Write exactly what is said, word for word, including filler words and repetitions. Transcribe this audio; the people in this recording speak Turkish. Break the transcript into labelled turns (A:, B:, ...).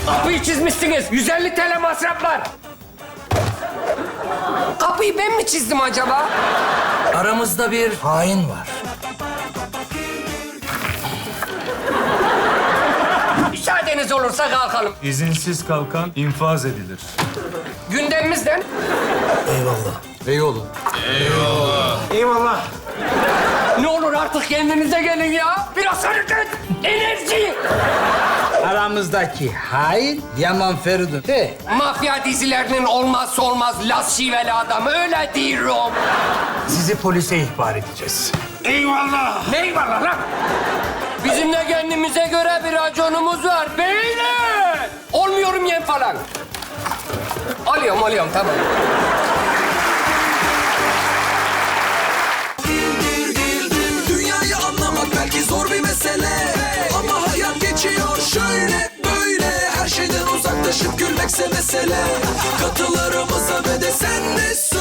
A: Kapıyı çizmişsiniz. yüz elli T L masraf var. Kapıyı ben mi çizdim acaba?
B: Aramızda bir hain var.
A: Müsaadeniz olursa kalkalım.
C: İzinsiz kalkan infaz edilir.
A: Gündemimizden.
B: Eyvallah.
A: Eyvallah. Ne olur artık kendinize gelin ya. Biraz hareket, enerji.
D: Aramızdaki hain Yaman Feridun. He,
A: Mafya dizilerinin olmazsa olmaz las şiveli adamı, öyle diyorum.
B: Sizi polise ihbar edeceğiz.
A: Eyvallah. Ne eyvallah lan? Bizim de kendimize göre bir raconumuz var beyler. Olmuyorum yem falan. Alıyorum, alıyorum, tamam.
E: Dünyayı anlamak belki zor bir mesele, ama hayat geçiyor şöyle böyle. Her şeyden uzaklaşıp gülmekse mesele. Katılarımıza ve de sen de söyle.